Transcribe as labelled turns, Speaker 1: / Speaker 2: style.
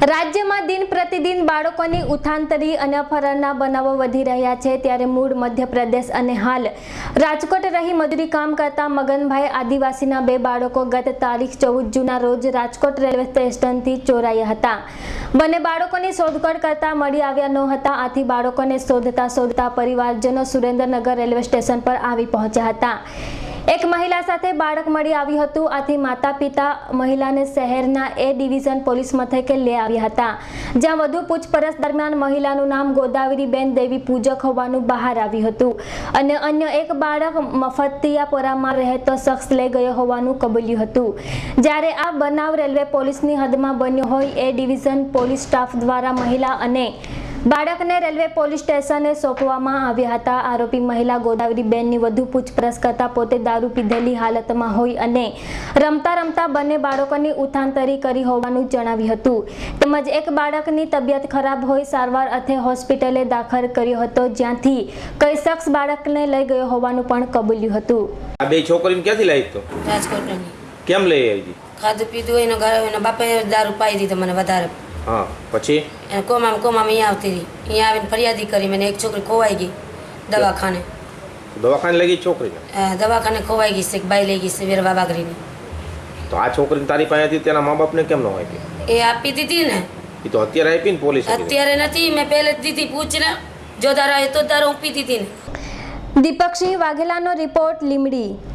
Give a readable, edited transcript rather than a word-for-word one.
Speaker 1: રાજ્યમાં દિન પ્રતિદિન બાળકોની ઉથાંતરી અને અપહરણના બનાવો વધી રહ્યા છે, ત્યારે મૂળ મધ્યપ્રદેશ અને હાલ રાજકોટ રહી મજૂરી કામ કરતા મગનભાઈ આદિવાસીના બે બાળકો ગત તારીખ 14 જૂનના રોજ રાજકોટ રેલવે સ્ટેશનથી ચોરાયા હતા। બંને બાળકોની શોધખોળ કરતા મળી આવ્યા ન હતા, આથી બાળકોને શોધતા પરિવારજનો સુરેન્દ્રનગર રેલવે સ્ટેશન પર આવી પહોંચ્યા હતા। એક મહિલા સાથે બાળક મળી આવ્યું હતું, આથી માતા પિતા મહિલાને શહેરના એ ડિવિઝન પોલીસ મથકે લઈ આવ્યા હતા, જ્યાં વધુ પૂછપરછ દરમિયાન મહિલાનું નામ ગોદાવરીબેન દેવી પૂજક હોવાનું બહાર આવ્યું હતું અને અન્ય એક બાળક મફતિયાપુરામાં રહેતો શખ્સ લઈ ગયો હોવાનું કબૂલ્યું હતું। જ્યારે આ બનાવ રેલવે પોલીસની હદમાં બન્યો હોય એ ડિવિઝન પોલીસ સ્ટાફ દ્વારા મહિલા અને બાળકને રેલવે પોલીસ સ્ટેશને સોંપવામાં આવ્યા હતા। આરોપી મહિલા ગોદાવરીબેનની વધુ પૂછપરછ કરતા પોતે દારૂ પીધેલી હાલતમાં હોય અને રમતા બંને બાળકોની ઉથાંતરી કરી હોવાનું જણાવ્યું હતું, તેમજ એક બાળકની તબિયત ખરાબ હોય સારવાર અર્થે હોસ્પિટલે દાખલ કર્યો હતો, જ્યાંથી કઈ શખ્સ બાળકને લઈ ગયો હોવાનું પણ કબૂલ્યું હતું।
Speaker 2: આ બે છોકરીને ક્યાંથી લાવી તો?
Speaker 3: રાજકોટની।
Speaker 2: કેમ લઈ આવી?
Speaker 3: ખાધું પીધું એનો ઘરે એનો બાપે દારૂ પાઈ દીધો મને વધારે।
Speaker 2: હા, પછી
Speaker 3: કોમામાં અહીંયા આવતી હતી, અહીંયા આવીને ફરિયાદી કરી, મને એક છોકરી ખોવાઈ ગઈ દવાખાને।
Speaker 2: દવાખાને લઈ ગઈ છોકરીને?
Speaker 3: દવાખાને ખોવાઈ ગઈ છે, એક બાઈ લઈ ગઈ છે વેરવા બાગરીની।
Speaker 2: તો આ છોકરીને તારી પાસે હતી, તેના મા બાપને કેમ ન આપી?
Speaker 3: એ આપી દીધી ને।
Speaker 2: એ તો અત્યારે આપી ને પોલીસ?
Speaker 3: અત્યારે નથી, મેં પહેલે જ દીધી, પૂછને જો તારા તો તારો આપી દીધી ને।
Speaker 1: દીપકસિંહ વાઘેલાનો રિપોર્ટ, લીમડી।